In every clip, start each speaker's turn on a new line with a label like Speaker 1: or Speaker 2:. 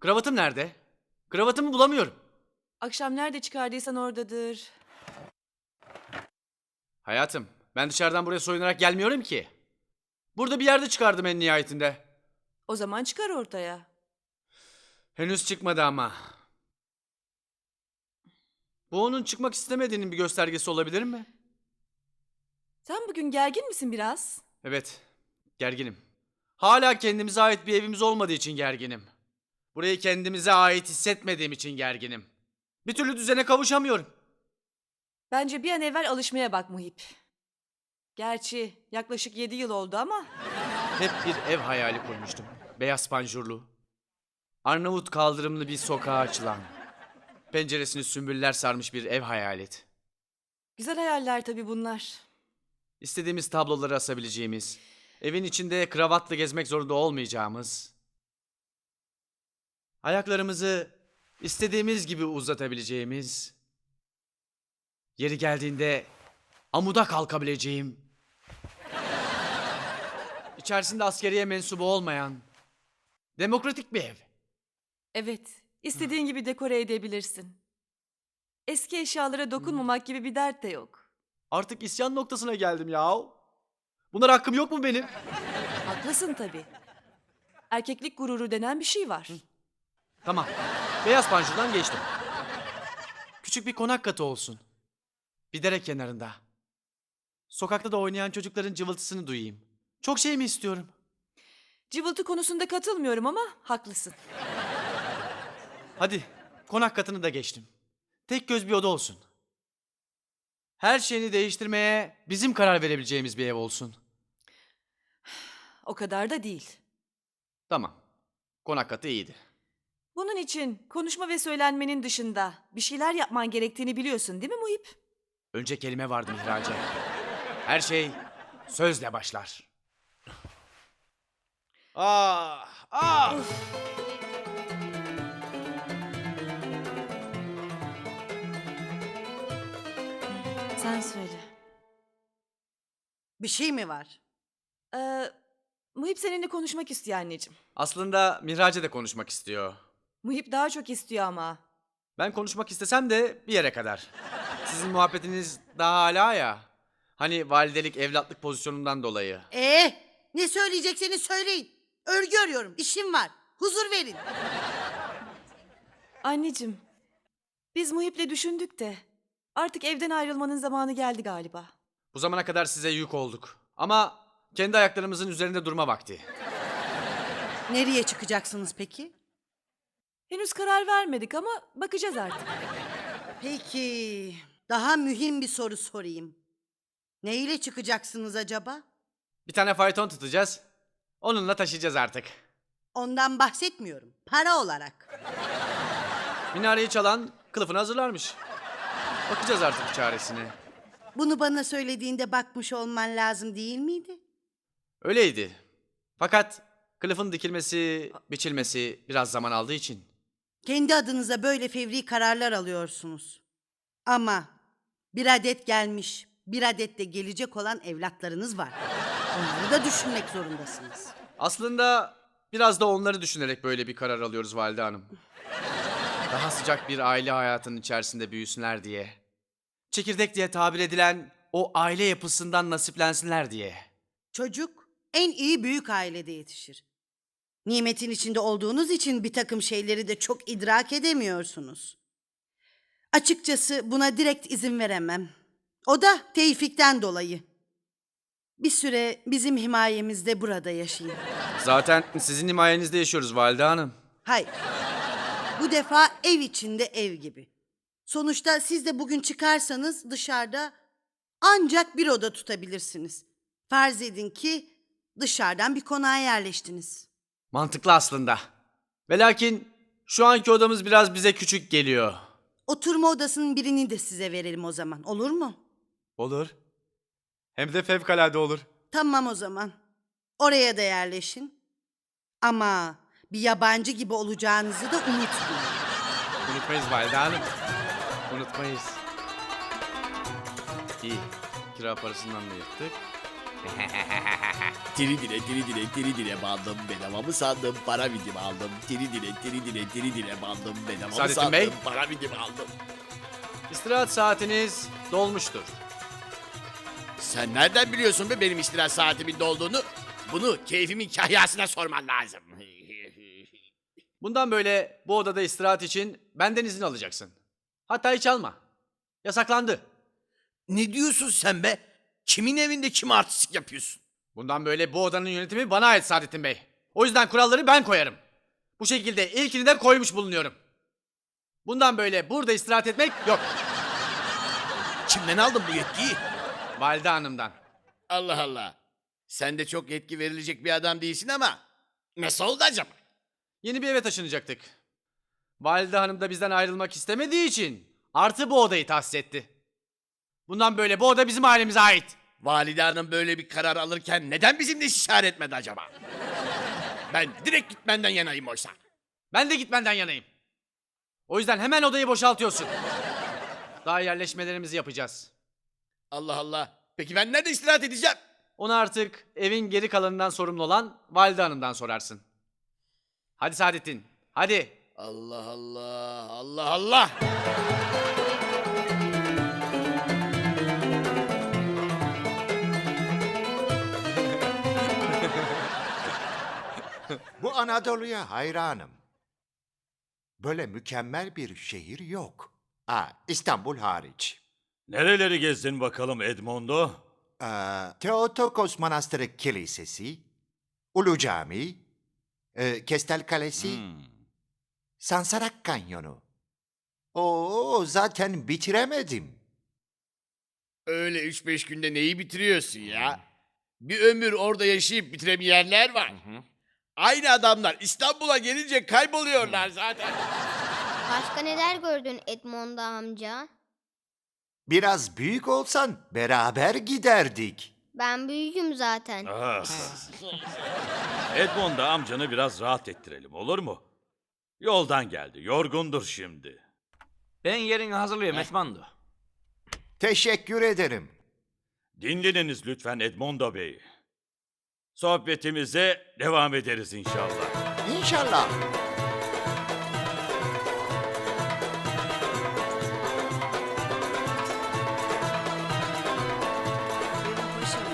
Speaker 1: Kravatım nerede? Kravatımı bulamıyorum.
Speaker 2: Akşam nerede çıkardıysan oradadır.
Speaker 1: Hayatım, ben dışarıdan buraya soyunarak gelmiyorum ki. Burada bir yerde çıkardım en nihayetinde.
Speaker 2: O zaman çıkar ortaya.
Speaker 1: Henüz çıkmadı ama. Bu onun çıkmak istemediğinin bir göstergesi olabilir mi?
Speaker 2: Sen bugün gergin misin biraz?
Speaker 1: Evet, gerginim. Hala kendimize ait bir evimiz olmadığı için gerginim. Burayı kendimize ait hissetmediğim için gerginim. Bir türlü düzene kavuşamıyorum.
Speaker 2: Bence bir an evvel alışmaya bak Muhip. Gerçi yaklaşık 7 yıl oldu ama
Speaker 1: Hep bir ev hayali kurmuştum. Beyaz panjurlu. Arnavut kaldırımlı bir sokağa açılan. Penceresini sümbüller sarmış bir ev hayalet.
Speaker 2: güzel hayaller tabii bunlar.
Speaker 1: İstediğimiz tabloları asabileceğimiz, evin içinde kravatla gezmek zorunda olmayacağımız, ayaklarımızı istediğimiz gibi uzatabileceğimiz, yeri geldiğinde amuda kalkabileceğim, içerisinde askeriye mensubu olmayan, demokratik bir ev.
Speaker 2: Evet, istediğin gibi dekore edebilirsin. Eski eşyalara dokunmamak gibi bir dert de yok.
Speaker 1: Artık isyan noktasına geldim ya. Bunlar hakkım yok mu benim?
Speaker 2: Haklısın tabii. Erkeklik gururu denen bir şey var.
Speaker 1: Tamam. Beyaz panjurdan geçtim. Küçük bir konak katı olsun. Bir dere kenarında. Sokakta da oynayan çocukların cıvıltısını duyayım. Çok şey mi istiyorum?
Speaker 2: Cıvıltı konusunda katılmıyorum ama haklısın.
Speaker 1: Hadi konak katını da geçtim. Tek göz bir oda olsun. Her şeyini değiştirmeye bizim karar verebileceğimiz bir ev olsun.
Speaker 2: O kadar da değil.
Speaker 1: Tamam. Konak katı iyiydi.
Speaker 2: Bunun için konuşma ve söylenmenin dışında bir şeyler yapman gerektiğini biliyorsun değil mi Muhip?
Speaker 1: Önce kelime vardı Mihrace. Her şey sözle başlar. Ah! Ah!
Speaker 2: Sen söyle.
Speaker 3: Bir şey mi var?
Speaker 2: Muhip seninle konuşmak istiyor anneciğim.
Speaker 1: Aslında Mihrace de konuşmak istiyor.
Speaker 2: Muhip daha çok istiyor ama.
Speaker 1: Ben konuşmak istesem de bir yere kadar. Sizin muhabbetiniz daha hala ya. Hani validelik evlatlık pozisyonundan dolayı.
Speaker 3: Ne söyleyecekseniz söyleyin. Örgü örüyorum, işim var. Huzur verin.
Speaker 2: Anneciğim, biz Muhip'le düşündük de artık evden ayrılmanın zamanı geldi galiba.
Speaker 1: Bu zamana kadar size yük olduk. Ama kendi ayaklarımızın üzerinde durma vakti.
Speaker 3: Nereye çıkacaksınız peki?
Speaker 2: Henüz karar vermedik ama bakacağız artık.
Speaker 3: Peki, daha mühim bir soru sorayım. Ne ile çıkacaksınız acaba?
Speaker 1: Bir tane fayton tutacağız. Onunla taşıyacağız artık.
Speaker 3: Ondan bahsetmiyorum, para olarak.
Speaker 1: Minareyi çalan kılıfını hazırlarmış. Bakacağız artık çaresine.
Speaker 3: Bunu bana söylediğinde bakmış olman lazım değil miydi?
Speaker 1: Öyleydi. Fakat kılıfın dikilmesi, biçilmesi biraz zaman aldığı için.
Speaker 3: Kendi adınıza böyle fevri kararlar alıyorsunuz. Ama bir adet gelmiş, bir adet de gelecek olan evlatlarınız var. Onları da düşünmek zorundasınız.
Speaker 1: Aslında biraz da onları düşünerek böyle bir karar alıyoruz Valide Hanım. Daha sıcak bir aile hayatının içerisinde büyüsünler diye. Çekirdek diye tabir edilen o aile yapısından nasiplensinler diye.
Speaker 3: Çocuk en iyi büyük ailede yetişir. Nimetin içinde olduğunuz için bir takım şeyleri de çok idrak edemiyorsunuz. Açıkçası buna direkt izin veremem. O da Tevfik'ten dolayı. Bir süre bizim himayemizde burada yaşayın.
Speaker 1: Zaten sizin himayenizde yaşıyoruz Valide Hanım.
Speaker 3: Hayır. Bu defa ev içinde ev gibi. Sonuçta siz de bugün çıkarsanız dışarıda ancak bir oda tutabilirsiniz. Farz edin ki dışarıdan bir konağa yerleştiniz.
Speaker 1: Mantıklı aslında. Ve lakin şu anki odamız biraz bize küçük geliyor.
Speaker 3: Oturma odasının birini de size verelim o zaman. Olur mu?
Speaker 1: Olur. Hem de fevkalade olur.
Speaker 3: Tamam o zaman. Oraya da yerleşin. Ama bir yabancı gibi olacağınızı da unutmayın.
Speaker 1: Unutmayız Valide Hanım. Unutmayız. İyi. Kira parasından da yırttık.
Speaker 4: Diri dile bandım, bedava mı sandım, para bidim aldım. Diri dile bandım, bedava mı
Speaker 1: Saadettin
Speaker 4: sandım,
Speaker 1: Bey.
Speaker 4: para bidim aldım.
Speaker 1: İstirahat saatiniz dolmuştur.
Speaker 4: Sen nereden biliyorsun be benim istirahat saatimin dolduğunu? Bunu keyfimin kahyasına sorman lazım.
Speaker 1: Bundan böyle bu odada istirahat için benden izin alacaksın. Hatta hiç alma. Yasaklandı.
Speaker 4: Ne diyorsun sen be? Kimin evinde kim artistik yapıyorsun?
Speaker 1: Bundan böyle bu odanın yönetimi bana ait Saadettin Bey. O yüzden kuralları ben koyarım. Bu şekilde ilkini de koymuş bulunuyorum. Bundan böyle burada istirahat etmek yok.
Speaker 4: Kimden aldın bu yetkiyi?
Speaker 1: Valide Hanım'dan.
Speaker 4: Allah Allah. Sen de çok yetki verilecek bir adam değilsin ama nasıl oldu acaba?
Speaker 1: Yeni bir eve taşınacaktık. Valide Hanım da bizden ayrılmak istemediği için artı bu odayı tahsis etti. Bundan böyle bu oda bizim ailemize ait.
Speaker 4: Valide Hanım böyle bir karar alırken neden bizimle istişare etmedi acaba? Ben direkt gitmenden yanayım oysa.
Speaker 1: Ben de gitmenden yanayım. O yüzden hemen odayı boşaltıyorsun. Daha yerleşmelerimizi yapacağız.
Speaker 4: Allah Allah. Peki ben nerede istirahat edeceğim?
Speaker 1: Onu artık evin geri kalanından sorumlu olan Valide Hanım'dan sorarsın. Hadi Saadettin, hadi.
Speaker 4: Allah Allah. Allah Allah.
Speaker 5: Bu Anadolu'ya hayranım. Böyle mükemmel bir şehir yok. İstanbul hariç.
Speaker 6: Nereleri gezdin bakalım Edmondo?
Speaker 5: Theotokos Manastırı Kilisesi, Ulu Cami, Kestel Kalesi, Sansarak Kanyonu. Zaten bitiremedim.
Speaker 4: Öyle 3-5 günde neyi bitiriyorsun ya? Bir ömür orada yaşayıp bitiremeyenler var. Aynı adamlar İstanbul'a gelince kayboluyorlar zaten.
Speaker 7: Başka neler gördün Edmondo amca?
Speaker 5: Biraz büyük olsan beraber giderdik.
Speaker 7: Ben büyüğüm zaten.
Speaker 6: Ah. Edmondo amcanı biraz rahat ettirelim olur mu? Yoldan geldi, yorgundur şimdi.
Speaker 8: Ben yerini hazırlıyorum Edmondo.
Speaker 5: Teşekkür ederim.
Speaker 6: Dinleniniz lütfen Edmondo Bey. Sohbetimize devam ederiz inşallah.
Speaker 5: İnşallah.
Speaker 3: Benim paşam.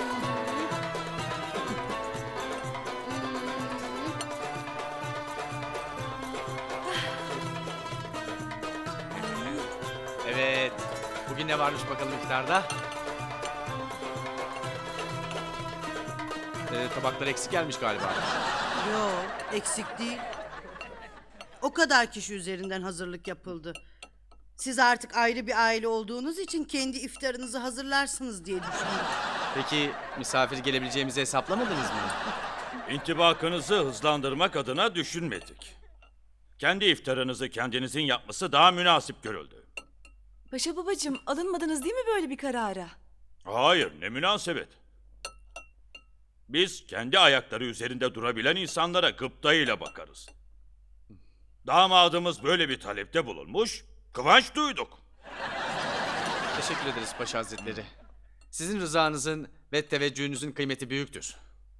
Speaker 1: Evet, bugün ne varmış bakalım iftarda? Tabaklar eksik gelmiş galiba.
Speaker 3: Yok, eksik değil. O kadar kişi üzerinden hazırlık yapıldı. Siz artık ayrı bir aile olduğunuz için kendi iftarınızı hazırlarsınız diye düşündüm.
Speaker 1: Peki misafir gelebileceğimizi hesaplamadınız mı?
Speaker 6: İntibakınızı hızlandırmak adına düşünmedik. Kendi iftarınızı kendinizin yapması daha münasip görüldü.
Speaker 2: Paşa babacığım, alınmadınız değil mi böyle bir karara?
Speaker 6: Hayır, ne münasebet. Biz kendi ayakları üzerinde durabilen insanlara gıptayla bakarız. Damadımız böyle bir talepte bulunmuş, kıvanç duyduk.
Speaker 1: Teşekkür ederiz Paşa Hazretleri. Sizin rızanızın ve teveccühünüzün kıymeti büyüktür.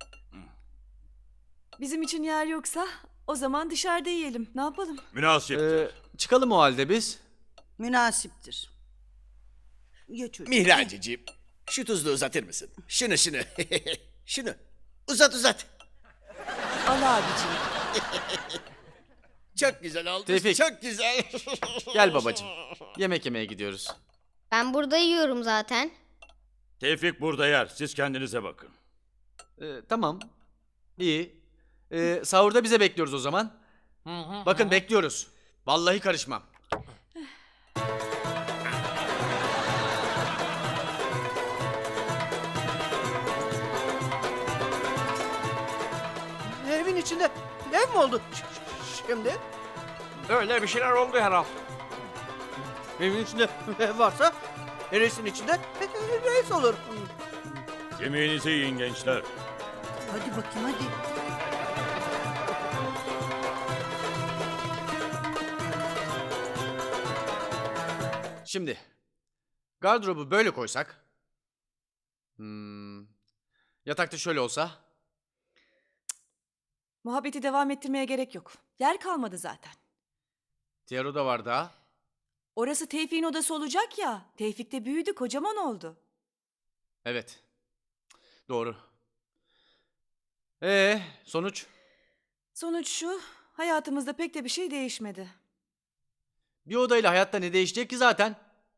Speaker 2: Bizim için yer yoksa o zaman dışarıda yiyelim. Ne yapalım?
Speaker 6: Münasiptir.
Speaker 1: Çıkalım o halde biz.
Speaker 3: Münasiptir. Geç çocuğum.
Speaker 4: Mihracicim, şu tuzlu uzatır mısın? Şunu. Şunu. Uzat.
Speaker 2: Al abiciğim.
Speaker 4: Çok güzel oldu.
Speaker 1: Tevfik.
Speaker 4: Çok güzel.
Speaker 1: Gel babacığım. Yemek yemeye gidiyoruz.
Speaker 7: Ben burada yiyorum zaten.
Speaker 6: Tevfik burada yer, siz kendinize bakın.
Speaker 1: Tamam. İyi. Sahurda bize bekliyoruz o zaman. Bakın bekliyoruz. Vallahi karışmam.
Speaker 9: Evin içinde ev mi oldu şimdi?
Speaker 8: Öyle bir şeyler oldu herhal.
Speaker 9: Evin içinde ev varsa reisin içinde reis olur.
Speaker 6: Yemeğinizi yiyin gençler.
Speaker 3: Hadi bakayım hadi.
Speaker 1: Şimdi gardırobu böyle koysak. Yatakta şöyle olsa.
Speaker 2: Muhabbeti devam ettirmeye gerek yok. Yer kalmadı zaten.
Speaker 1: Diğer oda var daha.
Speaker 2: Orası Tevfik'in odası olacak ya. Tevfik de büyüdü, kocaman oldu.
Speaker 1: Evet. Doğru. Sonuç?
Speaker 2: Sonuç şu, hayatımızda pek de bir şey değişmedi.
Speaker 1: Bir odayla hayatta ne değişecek ki zaten?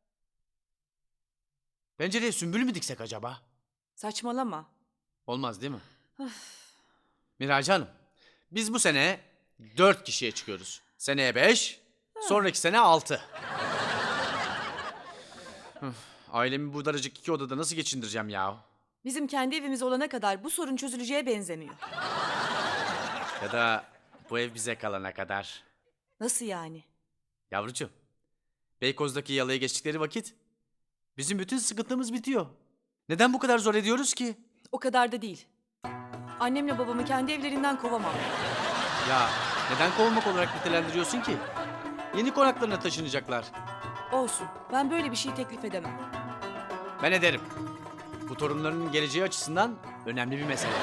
Speaker 1: Pencereye sümbül mü diksek acaba?
Speaker 2: Saçmalama.
Speaker 1: Olmaz değil mi? Miracı Hanım, biz bu sene 4 kişiye çıkıyoruz. Seneye 5, sonraki sene 6. Ailemi bu daracık 2 odada nasıl geçindireceğim ya?
Speaker 2: Bizim kendi evimiz olana kadar bu sorun çözüleceğe benzemiyor.
Speaker 1: Ya da bu ev bize kalana kadar.
Speaker 2: Nasıl yani?
Speaker 1: Yavrucuğum, Beykoz'daki yalıya geçtikleri vakit bizim bütün sıkıntımız bitiyor. Neden bu kadar zor ediyoruz ki?
Speaker 2: O kadar da değil. Annemle babamı kendi evlerinden kovamam.
Speaker 1: Ya neden kovulmak olarak nitelendiriyorsun ki? Yeni konaklarına taşınacaklar.
Speaker 2: Olsun, ben böyle bir şey teklif edemem.
Speaker 1: Ben ederim. Bu torunların geleceği açısından önemli bir mesele.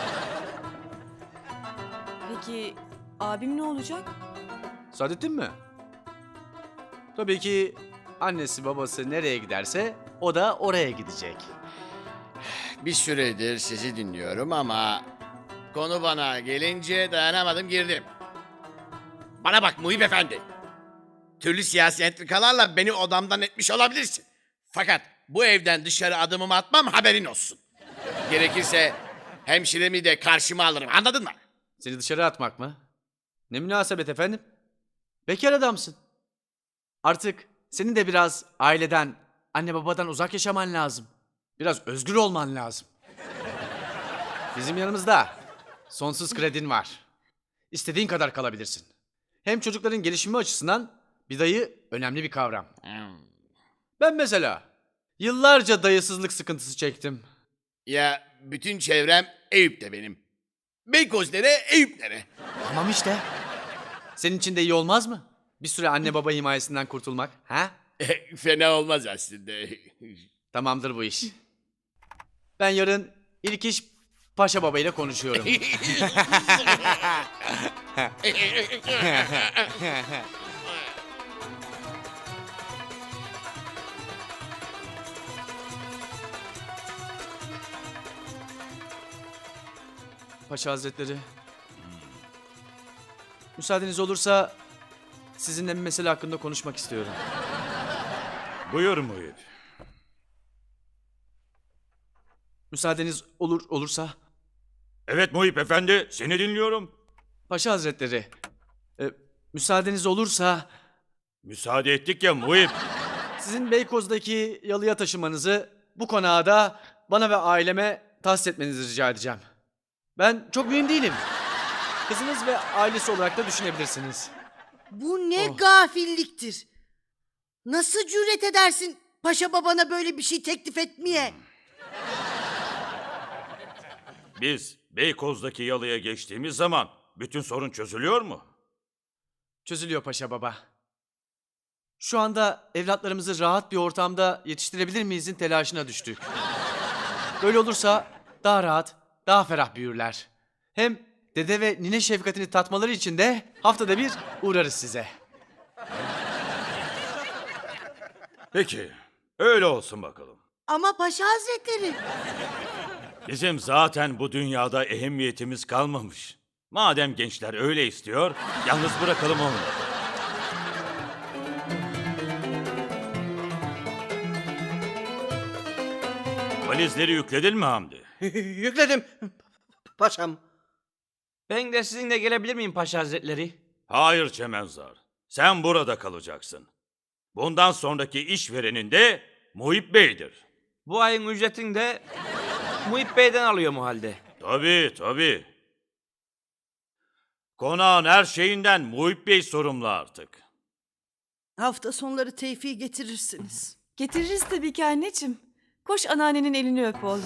Speaker 2: Peki abim ne olacak?
Speaker 1: Saadettin mi? Tabii ki annesi babası nereye giderse o da oraya gidecek.
Speaker 4: Bir süredir sizi dinliyorum ama konu bana gelince dayanamadım girdim. Bana bak Muhip Efendi. Türlü siyasi entrikalarla beni odamdan etmiş olabilirsin. Fakat bu evden dışarı adımımı atmam haberin olsun. Gerekirse hemşiremi de karşıma alırım, anladın mı?
Speaker 1: Seni dışarı atmak mı? Ne münasebet efendim? Bekar adamsın. Artık senin de biraz aileden, anne babadan uzak yaşaman lazım. Biraz özgür olman lazım. Bizim yanımızda sonsuz kredin var. İstediğin kadar kalabilirsin. Hem çocukların gelişimi açısından bir dayı önemli bir kavram. Ben mesela yıllarca dayısızlık sıkıntısı çektim.
Speaker 4: Ya bütün çevrem Eyüp'te benim. Beykoz nere, Eyüp nere?
Speaker 1: Tamam işte. Senin için de iyi olmaz mı? Bir süre anne baba himayesinden kurtulmak, ha?
Speaker 4: Fena olmaz aslında.
Speaker 1: Tamamdır bu iş. Ben yarın ilk iş Paşa Baba ile konuşuyorum. Paşa Hazretleri. Müsaadeniz olursa sizinle bir mesele hakkında konuşmak istiyorum.
Speaker 6: Buyur Muhip.
Speaker 1: Müsaadeniz olursa.
Speaker 6: Evet Muhip Efendi, seni dinliyorum.
Speaker 1: Paşa Hazretleri. Müsaadeniz olursa
Speaker 6: Müsaade ettik ya Muhip.
Speaker 1: sizin Beykoz'daki yalıya taşımanızı bu konağa da bana ve aileme tahsis etmenizi rica edeceğim. Ben çok mühim değilim. Kızınız ve ailesi olarak da düşünebilirsiniz.
Speaker 3: Bu ne gafilliktir. Nasıl cüret edersin paşa babana böyle bir şey teklif etmeye?
Speaker 6: Biz Beykoz'daki yalıya geçtiğimiz zaman bütün sorun çözülüyor mu?
Speaker 1: Çözülüyor Paşa Baba. Şu anda evlatlarımızı rahat bir ortamda yetiştirebilir miyizin telaşına düştük. Böyle olursa daha rahat, daha ferah büyürler. Hem dede ve nine şefkatini tatmaları için de haftada bir uğrarız size.
Speaker 6: Peki, öyle olsun bakalım.
Speaker 3: Ama paşa hazretleri.
Speaker 6: Bizim zaten bu dünyada ehemmiyetimiz kalmamış. Madem gençler öyle istiyor, yalnız bırakalım onu. Valizleri yükledin mi Hamdi?
Speaker 9: Yükledim. Paşam.
Speaker 8: Ben de sizinle gelebilir miyim Paşa Hazretleri?
Speaker 6: Hayır Çemenzar, sen burada kalacaksın. Bundan sonraki işverenin de Muhip Bey'dir.
Speaker 8: Bu ayın ücretini de Muhip Bey'den alıyorum o halde.
Speaker 6: Tabii. Konağın her şeyinden Muhip Bey sorumlu artık.
Speaker 3: Hafta sonları Tevfik'i getirirsiniz.
Speaker 2: Getiririz tabii ki anneciğim. Koş anneannenin elini öp oğlum.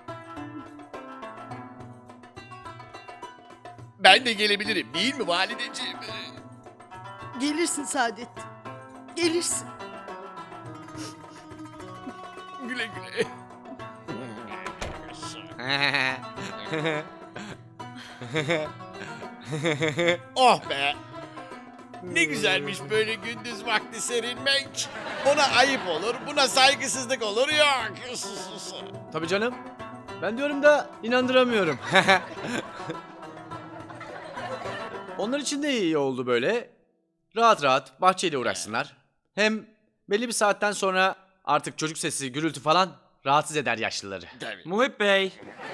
Speaker 4: Ben de gelebilirim değil mi valideciğim?
Speaker 3: Gelirsin Saadettin. Gelirsin.
Speaker 4: Güle güle. Oh be! Ne güzelmiş böyle gündüz vakti serinmek. Ona ayıp olur, buna saygısızlık olur yok.
Speaker 1: Tabii canım. Ben diyorum da inandıramıyorum. Onlar için de iyi oldu böyle. Rahat rahat bahçeyle uğraşsınlar. Hem belli bir saatten sonra artık çocuk sesi, gürültü falan rahatsız eder yaşlıları.
Speaker 4: Tabii.
Speaker 8: Muhip Bey.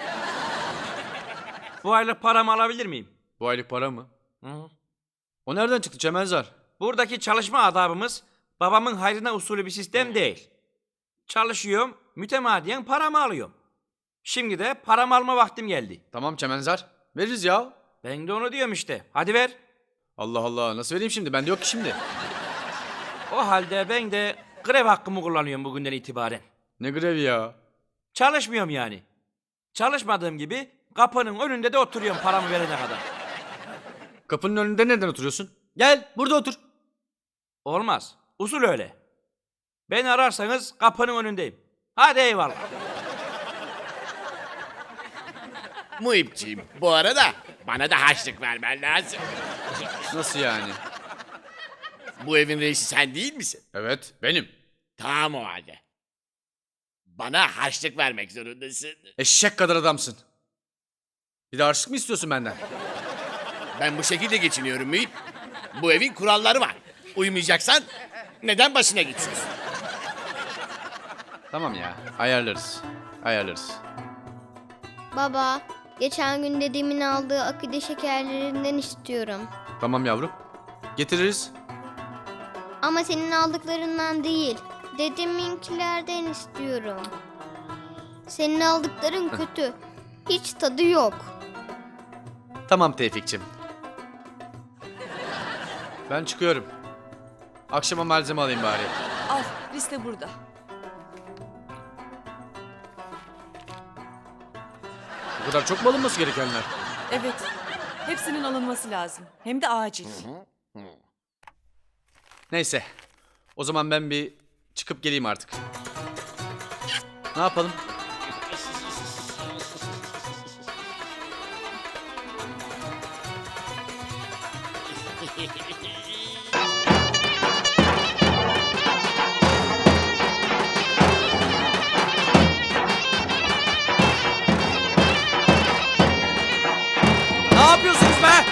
Speaker 8: Bu aylık paramı alabilir miyim?
Speaker 1: Bu aylık para mı?
Speaker 8: Hı.
Speaker 1: O nereden çıktı Çemenzar?
Speaker 8: Buradaki çalışma adabımız babamın hayrına usulü bir sistem değil. Çalışıyorum, mütemadiyen paramı alıyorum. Şimdi de paramı alma vaktim geldi.
Speaker 1: Tamam Çemenzar. Veririz ya.
Speaker 8: Ben de onu diyorum işte. Hadi ver.
Speaker 1: Allah Allah, nasıl vereyim şimdi? Bende yok ki şimdi.
Speaker 8: O halde ben de grev hakkımı kullanıyorum bugünden itibaren.
Speaker 1: Ne grevi ya?
Speaker 8: Çalışmıyorum yani. Çalışmadığım gibi kapının önünde de oturuyorum paramı verene kadar.
Speaker 1: Kapının önünde neden oturuyorsun? Gel burada otur.
Speaker 8: Olmaz. Usul öyle. Beni ararsanız kapının önündeyim. Hadi eyvallah.
Speaker 4: Muhipciğim, bu arada bana da harçlık vermen lazım.
Speaker 1: Nasıl yani?
Speaker 4: Bu evin reisi sen değil misin?
Speaker 1: Evet, benim.
Speaker 4: Tamam o halde. Bana harçlık vermek zorundasın.
Speaker 1: Eşek kadar adamsın. Bir de harçlık mı istiyorsun benden?
Speaker 4: Ben bu şekilde geçiniyorum Muhip. Bu evin kuralları var. Uymayacaksan neden başına geçiyorsun?
Speaker 1: Tamam ya, ayarlarız. Ayarlarız.
Speaker 7: Baba, geçen gün dedemin aldığı akide şekerlerinden istiyorum.
Speaker 1: Tamam yavrum. Getiririz.
Speaker 7: Ama senin aldıklarından değil, dedeminkilerden istiyorum. Senin aldıkların kötü. Hiç tadı yok.
Speaker 1: Tamam Tevfik'cim. Ben çıkıyorum. Akşama malzeme alayım bari.
Speaker 2: Al, liste burada.
Speaker 1: Bu kadar çok mu alınması gerekenler?
Speaker 2: Evet, hepsinin alınması lazım. Hem de acil.
Speaker 1: Neyse. O zaman ben bir çıkıp geleyim artık. Ne yapalım? Ne yapıyorsunuz be?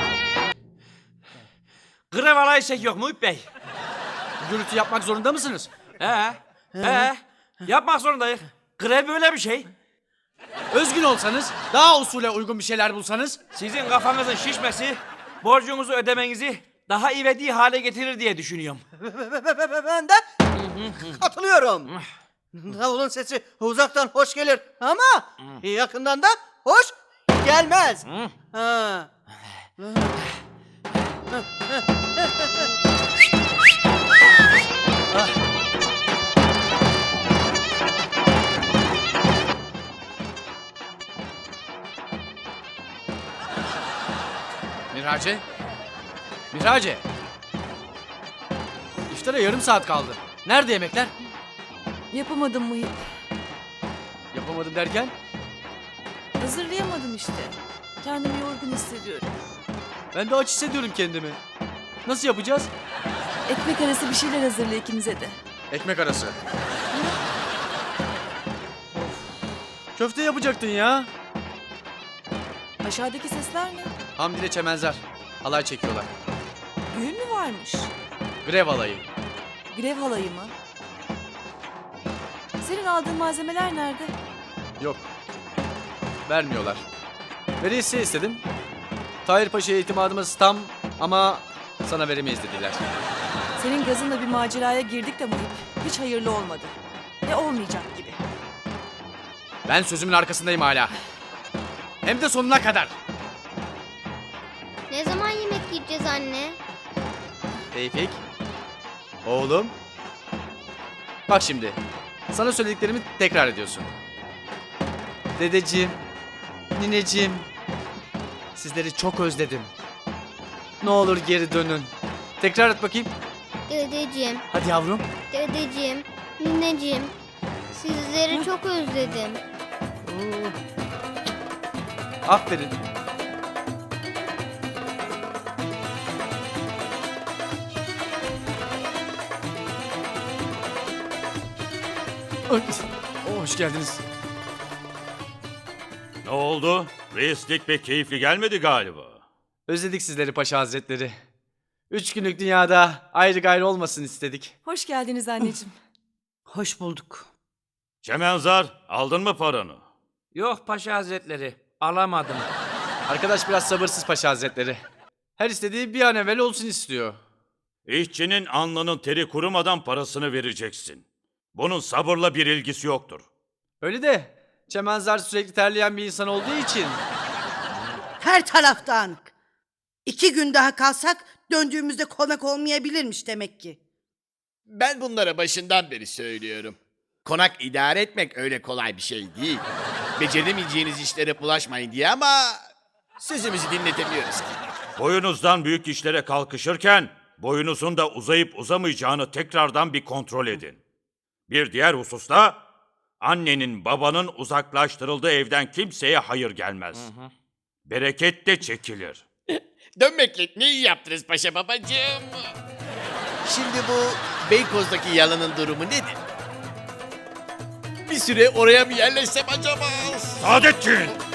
Speaker 8: Grev alayı çekiyor Muhip Bey.
Speaker 1: Gürültü yapmak zorunda mısınız?
Speaker 8: Yapmak zorundayız. Grev böyle bir şey.
Speaker 1: Özgün olsanız, daha usule uygun bir şeyler bulsanız.
Speaker 8: Sizin kafanızın şişmesi borcunuzu ödemenizi daha ivedi hale getirir diye düşünüyorum.
Speaker 9: Ben de katılıyorum. Davulun sesi uzaktan hoş gelir ama yakından da hoş gelmez. Ha.
Speaker 1: Mirace? Mirace? İftara yarım saat kaldı. Nerede yemekler?
Speaker 2: Yapamadım Muhip.
Speaker 1: Yapamadım derken?
Speaker 2: Hazırlayamadım işte. Kendimi yorgun hissediyorum.
Speaker 1: Ben de aç hissediyorum kendimi. Nasıl yapacağız?
Speaker 2: Ekmek arası bir şeyler hazırla ikimize de.
Speaker 1: Ekmek arası. Köfte yapacaktın ya.
Speaker 2: Aşağıdaki sesler ne?
Speaker 1: Hamdi ile Çemenzar. Halay çekiyorlar.
Speaker 2: Düğün mü varmış?
Speaker 1: Grev halayı.
Speaker 2: Grev halayı mı? Senin aldığın malzemeler nerede?
Speaker 1: Yok. Vermiyorlar. Veresiye istedim. Tahir Paşa'ya itimadımız tam ama sana veremeyiz dediler.
Speaker 2: Senin gazınla bir maceraya girdik de Muhip. Hiç hayırlı olmadı. Ve olmayacak gibi.
Speaker 1: Ben sözümün arkasındayım hala. Hem de sonuna kadar.
Speaker 7: Ne zaman yemek yiyeceğiz anne?
Speaker 1: Tevfik. Oğlum. Bak şimdi. Sana söylediklerimi tekrar ediyorsun. Dedeciğim, nineciğim. Sizleri çok özledim. Ne olur geri dönün. Tekrar et bakayım.
Speaker 7: Dedeciğim,
Speaker 1: Hadi yavrum.
Speaker 7: dedeciğim, nineciğim. Sizleri çok özledim.
Speaker 1: Aferin. Ay, hoş geldiniz.
Speaker 6: Ne oldu? Reislik pek keyifli gelmedi galiba.
Speaker 1: Özledik sizleri Paşa Hazretleri. 3 günlük dünyada ayrı gayrı olmasın istedik.
Speaker 2: Hoş geldiniz anneciğim.
Speaker 3: Hoş bulduk.
Speaker 6: Çemenzar, aldın mı paranı?
Speaker 8: Yok Paşa Hazretleri, alamadım.
Speaker 1: Arkadaş biraz sabırsız Paşa Hazretleri. Her istediği bir an evvel olsun istiyor.
Speaker 6: İşçinin alnının teri kurumadan parasını vereceksin. Bunun sabırla bir ilgisi yoktur.
Speaker 1: Öyle de Çemenzar sürekli terleyen bir insan olduğu için.
Speaker 3: Her taraf dağınık. 2 gün daha kalsak döndüğümüzde konak olmayabilirmiş demek ki.
Speaker 4: Ben bunlara başından beri söylüyorum. Konak idare etmek öyle kolay bir şey değil. Beceremeyeceğiniz işlere bulaşmayın diye ama sözümüzü dinletemiyoruz ki.
Speaker 6: Boyunuzdan büyük işlere kalkışırken boyunuzun da uzayıp uzamayacağını tekrardan bir kontrol edin. Bir diğer hususta annenin babanın uzaklaştırıldığı evden kimseye hayır gelmez. Bereket de çekilir.
Speaker 4: Dönmekle ne iyi yaptınız paşa babacığım. Şimdi bu Beykoz'daki yalanın durumu nedir? Bir süre oraya mı yerleşsem acaba?
Speaker 6: Saadettin!